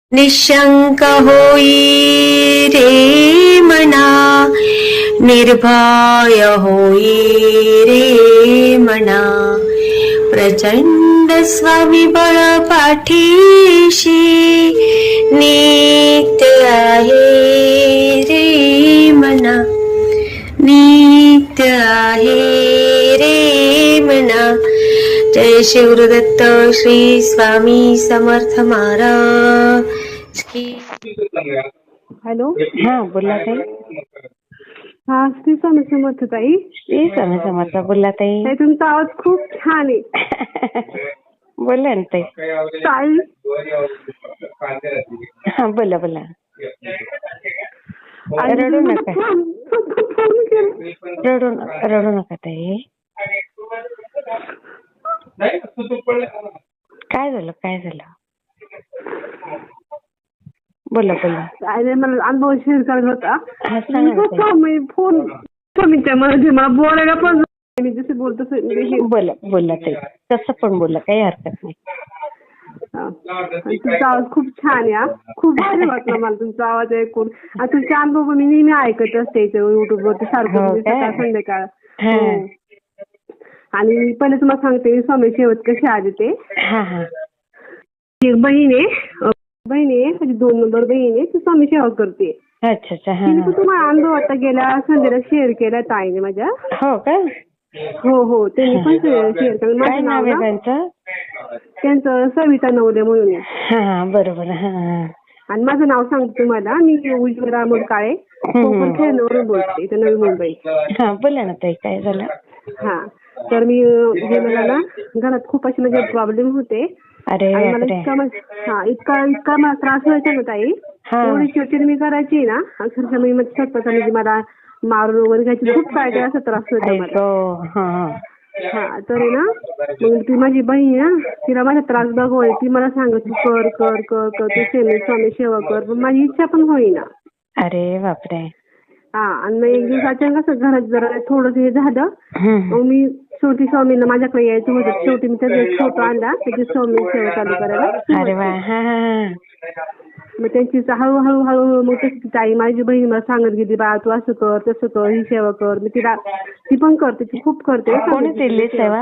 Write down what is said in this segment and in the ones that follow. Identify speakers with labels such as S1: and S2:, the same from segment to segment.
S1: निशंक होई रे मना, निर्भय होई रे मना, प्रचंड स्वविबळ पाठीशी नित्य आहे रे मना, नित्य आहे रे मना. जय शिवदत्त श्री स्वामी समर्थ महाराज की.
S2: हॅलो.
S3: हा बोला ताई.
S2: हा श्री स्वामी समर्थ ताई.
S3: श्री स्वामी समर्थ. बोला ताई.
S2: ताई तुमचा आवाज खूप छान आहे.
S3: बोला ना ताई.
S2: ताई
S3: हा बोला बोला.
S2: आणि
S3: रडू
S2: मला
S3: नका.
S2: फोन केला.
S3: रडू नका ताई. काय झालं काय झालं. बोला बोला.
S2: काय नाही, मला अनुभव शेअर करायचा होता.
S3: हा सांगा ना ताई.
S2: मी फोन स्वामीच्या मध्ये मला बोलायला पण मी जसे बोलतो
S3: बोला बोला ताई. तसं पण बोला, काही हरकत नाही.
S2: तुमचा आवाज खूप छान आहे. हा. खूप भारी वाटलं मला तुमचा आवाज ऐकून. आणि तुमचे अनुभव मी नेहमी ऐकत असते युट्यूब वरती सारखं,
S3: हो काय?
S2: सकाळ संध्याकाळ.
S3: हा.
S2: हो. आणि पहिले तुम्हाला सांगते स्वामी सेवत कशी आले ते.
S3: हा हा.
S2: एक बहीण आहे माझी 2 नंबर बहीण आहे, ती स्वामी सेवा करते.
S3: अच्छा अच्छा. हा
S2: तिने
S3: हा.
S2: तुम्हाला अनुभव आता गेल्या संध्याला शेअर केला ताईने माझ्या.
S3: हो का.
S2: हो त्यांनी पण शेअर केलं.
S3: काय
S2: माझं
S3: नाव आहे त्यांचं.
S2: त्यांचं सविता नवले म्हणून आहे.
S3: हा बरोबर. हा हा.
S2: आणि माझं नाव सांगते तुम्हाला. मी उज्ज्वला काळे कोकण खेळण्यावरून बोलते, इथं नवी मुंबई.
S3: हा बोला ना ताई. काय झालं.
S2: हा तर मी गेलेला ना घरात खूप असे म्हणजे प्रॉब्लेम होते.
S3: अरे
S2: आणि मला
S3: बापरे.
S2: इतका मला त्रास व्हायचा ना ताई.
S3: हा.
S2: एवढी चिडचिड मी करायची ना अक्षरशः मी स्वतःचा म्हणजे मला मारून वगैरे घ्यायची, खूप काय काय असा त्रास होता मला.
S3: ऐको. हा
S2: हा तर आहे ना मग ती माझी बहीण आहे ना, तिला माझा त्रास बघवय, ती मला सांगत तू कर कर कर कर तू स्वामी सेवा कर, पण माझी इच्छा पण होईना.
S3: अरे बापरे.
S2: हा आणि मग एक दिवस अचानक असं घरात जरा थोडस हे झालं. मग मी शेवटी स्वामींना माझ्याकडे यायचं होतं, शेवटी मी त्याचा एक फोटो आणला, त्याची स्वामी सेवा चालू करायला.
S3: अरे वा. हा हा.
S2: मग त्यांची हळूहळू मग तशी ताई माझी बहीण मला सांगत गेली, बा तू असं कर तसं कर, ही सेवा कर. मी ती पण करते, ती खूप करते.
S3: कोणी दिली सेवा.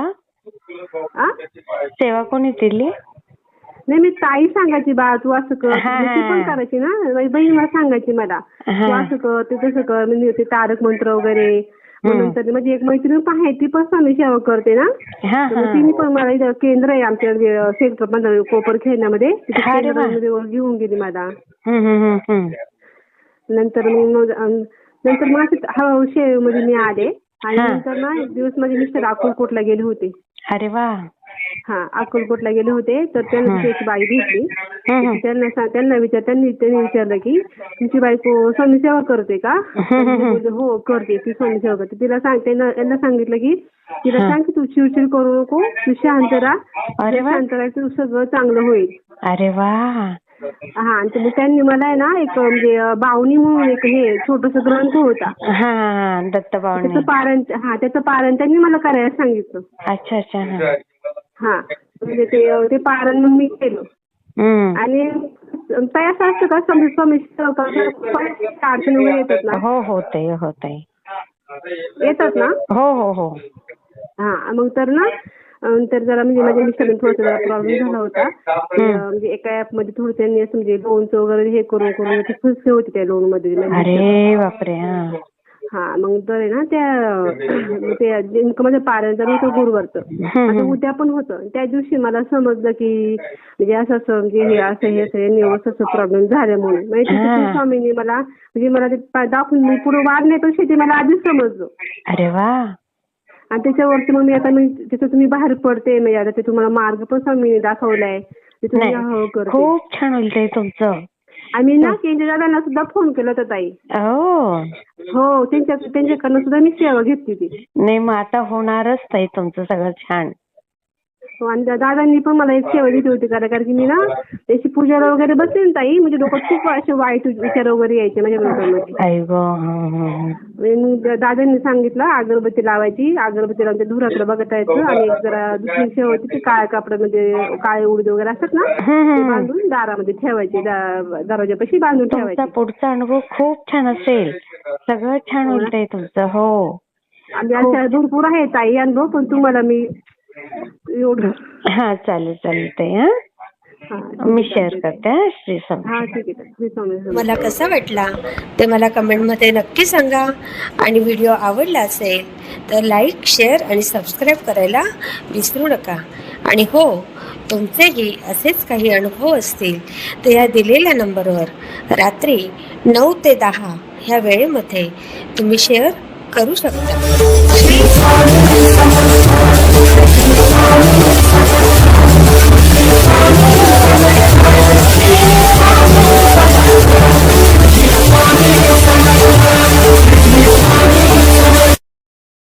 S3: सेवा कोणी दिली.
S2: नाही मी ताई सांगायची, बा तू असं कर. ती पण करायची ना, माझी बहीण मला सांगायची मला तू असं कर ते तसं कर, म्हणजे ते तारक मंत्र वगैरे. नंतर माझी एक मैत्रीण पण आहे, ती पण स्वामी सेवा करते ना. तिने पण मला इथं केंद्र आहे आमच्या सेक्टर 15 कोपर खेळण्यामध्ये, केंद्रामध्ये घेऊन गेली मला. नंतर मग हळूहळू सेवेमध्ये मी आले. आणि नंतर ना एक दिवस माझे मिस्टर अक्कलकोटला गेले होते.
S3: अरे वा.
S2: हा अक्कलकोटला गेले होते, तर त्यांना त्याची बाई भेटली. त्यांनी विचारलं की तुमची बायको स्वामी सेवा करते का. हो करते, ती स्वामी सेवा करते. तिला त्यांना सांगितलं की तिला सांग की तू चिडचिड करू नको, तू शांत राहा, शांत राहायचं सगळं चांगलं होईल.
S3: अरे वा.
S2: हा आणि मग त्यांनी मला ना एक म्हणजे बावणी म्हणून एक हे छोटस ग्रंथ होता.
S3: हा दत्त बावणी.
S2: त्याचं पारण त्यांनी मला करायला सांगितलं.
S3: अच्छा अच्छा.
S2: हा म्हणजे ते पारण मग मी केलं. आणि ताई असं असतं का स्वामी अडचणी वगैरे येतात ना.
S3: हो होतंय.
S2: येतात ना.
S3: हो.
S2: हा मग तर ना तर जरा म्हणजे माझ्या मिस्टरांना थोडासा प्रॉब्लेम झाला होता. म्हणजे एका ऍप मध्ये थोडं त्यांनी असं म्हणजे लोनचं वगैरे हे करून फसले होते त्या लोन मध्ये.
S3: अरे बापरे.
S2: हा मग तर आहे ना त्या नेमकं माझं पारायण तर होतं गुरुवारचं. आता उद्या पण होतं. त्या दिवशी मला समजलं की म्हणजे असं म्हणजे हे असं प्रॉब्लेम झाला म्हणून. म्हणजे स्वामींनी मला म्हणजे मला ते दाखवून मी पुढे वाढण्यापेक्षा ते मला आधीच समजलं.
S3: अरे वा.
S2: आणि त्याच्यावरती मग मी त्याच्यातून मी बाहेर पडते. म्हणजे आता ते तुम्हाला मार्ग पण स्वामींनी दाखवलाय.
S3: खूप छान होईल तुमचं.
S2: आम्ही ना केंद्र दादांना सुद्धा फोन केला होता ताई. हो त्यांच्याकडनं सुद्धा मी सेवा घेतली ती.
S3: नाही मग आता होणारच ताई तुमचं सगळं छान.
S2: आणि दादांनी पण मला एक सेवा दिली होती, कारण की मी ना त्याची पूजाला वगैरे बसते ना ताई, म्हणजे डोक्यात खूप असे वाईट विचार वगैरे यायचे माझ्या डोक्यामध्ये. मग दादांनी सांगितलं अगरबत्ती लावायची, अगरबत्ती लावून ते धुराकडे बघत यायचं आणि एक जरा दुसरी शेव होती ती काळ्या कापडामध्ये काळे उडीद वगैरे असतात ना ते बांधून दारामध्ये ठेवायचे, दरवाजापाशी बांधून
S3: तुमचा
S2: ठेवायचे.
S3: पुढचा अनुभव खूप छान असेल, सगळं छान उलटंय तुमचं. हो
S2: आणि अशा भरपूर आहे ताई अनुभव, पण तुम्हाला मी एवढं
S3: हा चालेल चालेल ताई. मी शेअर करते. श्री स्वामी.
S2: हा ठीक आहे. श्री स्वामी समर्थ.
S1: मला कसा वाटला ते मला कमेंटमध्ये नक्की सांगा. आणि व्हिडिओ आवडला असेल तर लाईक, शेअर आणि सबस्क्राईब करायला विसरू नका. आणि हो, तुमचेही असेच काही अनुभव असतील तर या दिलेल्या नंबरवर रात्री 9 ते 10 ह्या वेळेमध्ये तुम्ही शेअर करू शकता.